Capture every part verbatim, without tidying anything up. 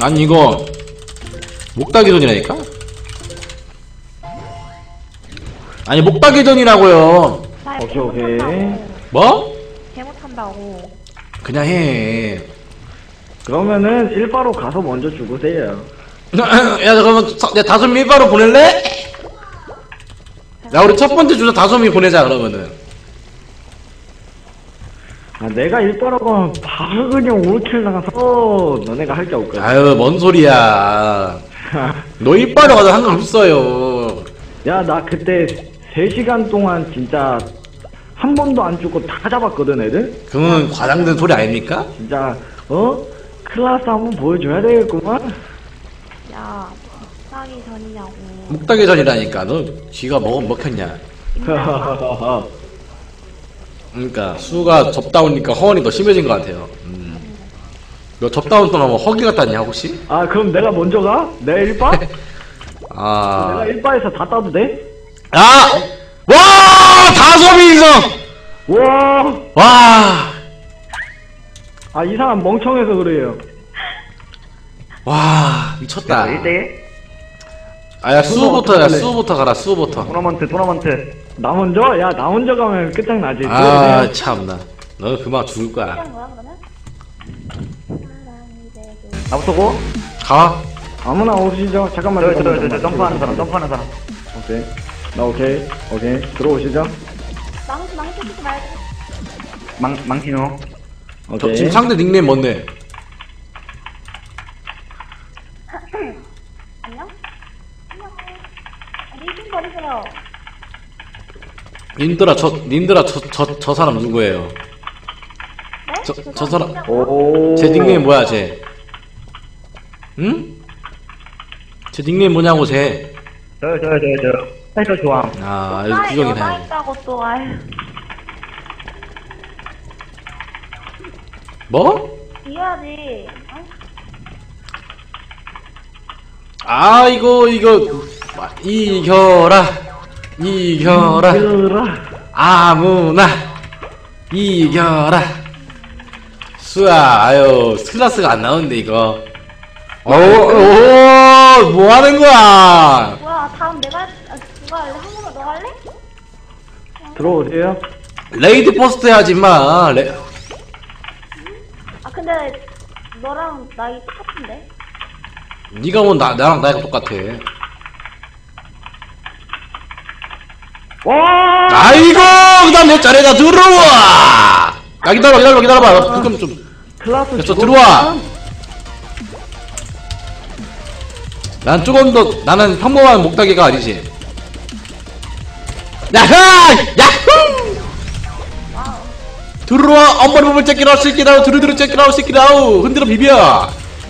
아니 이거 목다기전이라니까? 아니 목다기전이라고요. 오케이 오케이. 뭐? 개 못한다고. 그냥 해. 그러면은 일바로 가서 먼저 죽으세요. 야 잠깐만 내 다솜이 일바로 보낼래? 야 우리 첫 번째 주자 다솜이 보내자 그러면은. 아 내가 일바로 가면 바로 그냥 오킬 나가서 너네가 할 게 없거든. 아유 뭔 소리야. 너 일바로 가도 상관없어요. 야 나 그때 세 시간 동안 진짜 한 번도 안 죽고 다 잡았거든 애들? 그건 과장된 소리 아닙니까? 진짜 어? 클라스 한번 보여줘야 되겠구만. 야, 싸기 전이냐고. 목다기전이라니까. 너 쥐가 먹, 먹혔냐. 그러니까 수가 접다우니까 허언이 더 심해진 것 같아요. 음. 너 접다운 동안 뭐 허기 같다냐 혹시? 아 그럼 내가 먼저 가? 내 일바? 아. 내가 일바에서 다 따도 돼? 아! 와! 다솜이 인성! 와! 와! 아 이 사람 멍청해서 그래요. 와 미쳤다. 일 대 아야 수부터 야 수부터 가라 수부터. 토너먼트 토너먼트. 나 먼저? 야 나 먼저 가면 끝장나지. 아 참나. 너 그만 죽을 거야. 시간 뭐야 그러면? 나부터 고. 가. 아무나 오시죠. 잠깐만. 저, 저, 잠깐만, 저, 저, 잠깐만. 점프하는 사람, 점프하는 사람. 오케이. 나 오케이. 오케이. 들어오시죠. 망치 망치 쓰지 말고. 망, 망치노. 저, 오케이. 지금 상대 닉네임 뭔데? 안녕? 안녕. 리신 버리세요. 님들아 저 님들아 저 저 저 사람 누구예요? 네? 저- 저 저 사람- 사람 오. 제 닉네임 뭐야 쟤? 응? 제 닉네임 뭐냐고 쟤? 저, 저, 저, 저. 사이클 좋아. 아 이거 여자 구경이 여자 다. 있다고 또 아유. 뭐? 이겨야지. 어? 아 이거 이거 이겨라 이겨라 이겨라. 아무나 이겨라. 수야 아유 클라스가 안 나오는데 이거. 오오 뭐 하는 거야? 뭐야 다음 내가 아, 누가 할래? 한 번만 너 할래? 들어오세요. 레이디 퍼스트 해야지 마. 레... 아 근데 너랑 나이 똑같은데? 네가 뭐 나, 나랑 나이가 똑같아. 와! 아이고 그다음 내 차례다 들어와. 야 기다려 기다려 기다려봐. 나 잠깐 좀. 클라스 야, 저 죽었구만. 들어와. 난 조금 더 나는 평범한 목다기가 아니지. 야하 야후. 들어와 엄마를 보면 째끼라우 새끼라우 두루두루 째끼라우 새끼라우 흔들어 비벼.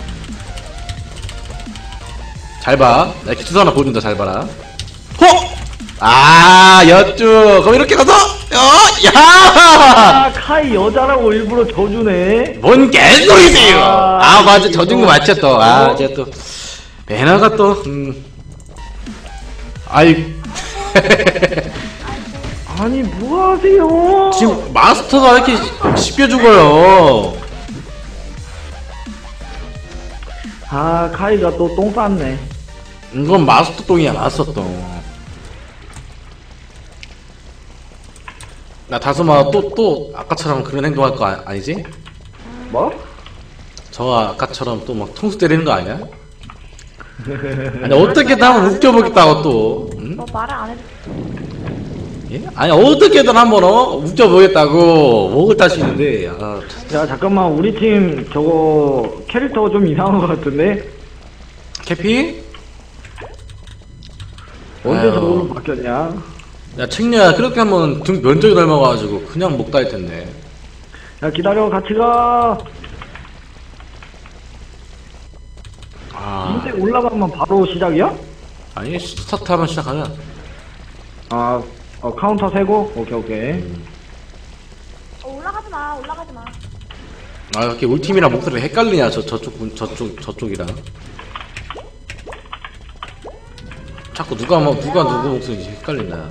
잘봐 나 기초사 하나 보여준다 잘봐라. 호! 아 여쭈 그럼 이렇게 가서 어? 야! 아, 카이 여자라고 일부러 져주네. 뭔 개소리세요. 아, 아 맞아 져준 거 이거. 맞죠 또아 제가 또 배나가 또 음. 아이 아니, 뭐 하세요? 지금 마스터가 왜 이렇게 쉽게 죽어요. 아, 카이가 또 똥 쌌네. 이건 마스터 똥이야 마스터 똥. 나 다솜아 또 또 아까처럼 그런 행동할 거 아, 아니지? 뭐? 저 아까처럼 또 막 통수 때리는 거 아니야? 아니 어떻게든 한번 웃겨보겠다고 또 응? 너 말을 안 해도 예? 아니 어떻게든 한번 어? 웃겨보겠다고 목을 따시는데 아, 참. 야, 잠깐만. 우리 팀 저거 캐릭터가 좀 이상한 것 같은데? 캐피? 언제 아유. 저걸로 바뀌었냐? 야 책녀야 그렇게 하면 등 면적이 닮아가지고 그냥 목 따일 텐데. 야, 기다려. 같이 가. 아 인데 올라가면 바로 시작이야? 아니 스타트 하면 시작하면 아, 어, 카운터 세고? 오케이, 오케이. 어, 올라가지 마 올라가지 마. 아 이렇게 우리 팀이랑 목소리 헷갈리냐 저 저쪽 분- 저쪽 저쪽이랑 자꾸 누가 뭐 누가 누구 목소리인지 헷갈린다.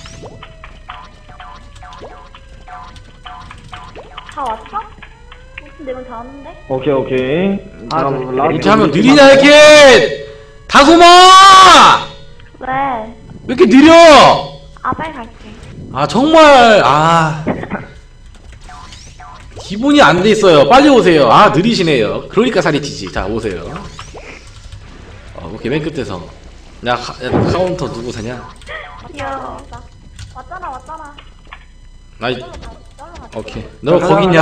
다 왔어? 내가 잘하는데? 오케이, 오케이. 아, 다음 네. 라스트 이렇게 하면 우리 느리냐 이렇게 다솜아 왜? 왜 이렇게 느려 아, 빨리 갈게. 아 정말 아 기본이 안 돼 있어요. 빨리 오세요. 아 느리시네요. 그러니까 살이 찌지. 자 오세요. 어, 오케이 맨 끝에서 야, 카, 야 카운터 누구 사냐? 귀여워. 왔잖아, 왔잖아. 아이 쩔로 가, 쩔로 가. 오케이 너 거기 있냐?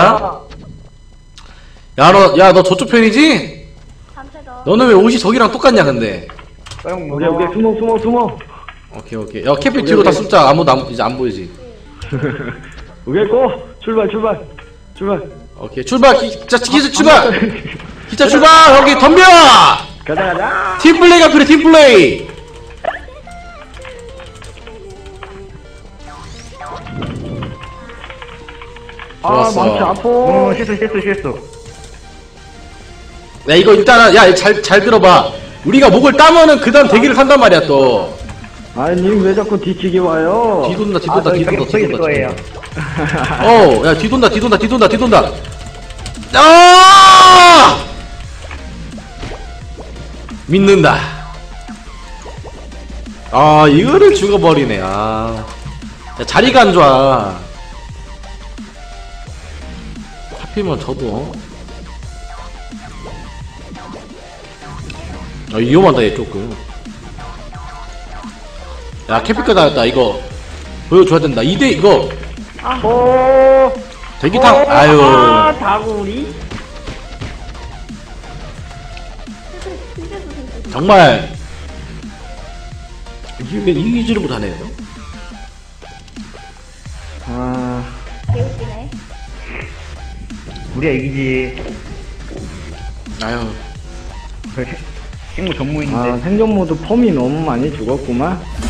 야 너 야 너 저쪽 편이지? 단체전. 너는 왜 옷이 저기랑 똑같냐 근데? 형 오케이, 오케이. 숨어, 숨어, 숨어. 오케이 오케이 야 캐피 뒤로 다 숨자. 아무도 안, 이제 안 보이지? 오케이, 고! 출발, 출발. 출발. 오케이 출발 기, 자 기자 출발 기자 출발 여기 덤벼 가자, 가자. 팀플레이가 필요해 팀플레이 아, 좋았어. 망치 아파. 어 실수 실수 실수. 야 이거 일단은 야잘 잘 들어봐 우리가 목을 따면은 그 다음 대기를 탄단 말이야 또 아니, 님 왜 자꾸 뒤치기 와요? 뒤돈다 아 뒤돈다 저기 뒤돈다 저기 있을 뒤돈다 거예요. 어야 뒤돈다 뒤돈다 뒤돈다 뒤돈다 아 믿는다 아 이거를 죽어버리네 아 야, 자리가 안 좋아 하필이면 저도 아 위험하다 얘 조금 야 캐피카 나왔다 이거 보여줘야 된다 이 대 이거 오, 대기탕 오, 아유 아, 다구리. 정말 이게 이기지를 못하네요 아, 개웃기네. 우리가 이기지. 아유 친구 전무인데. 아, 생존 모드 펌이 너무 많이 죽었구만.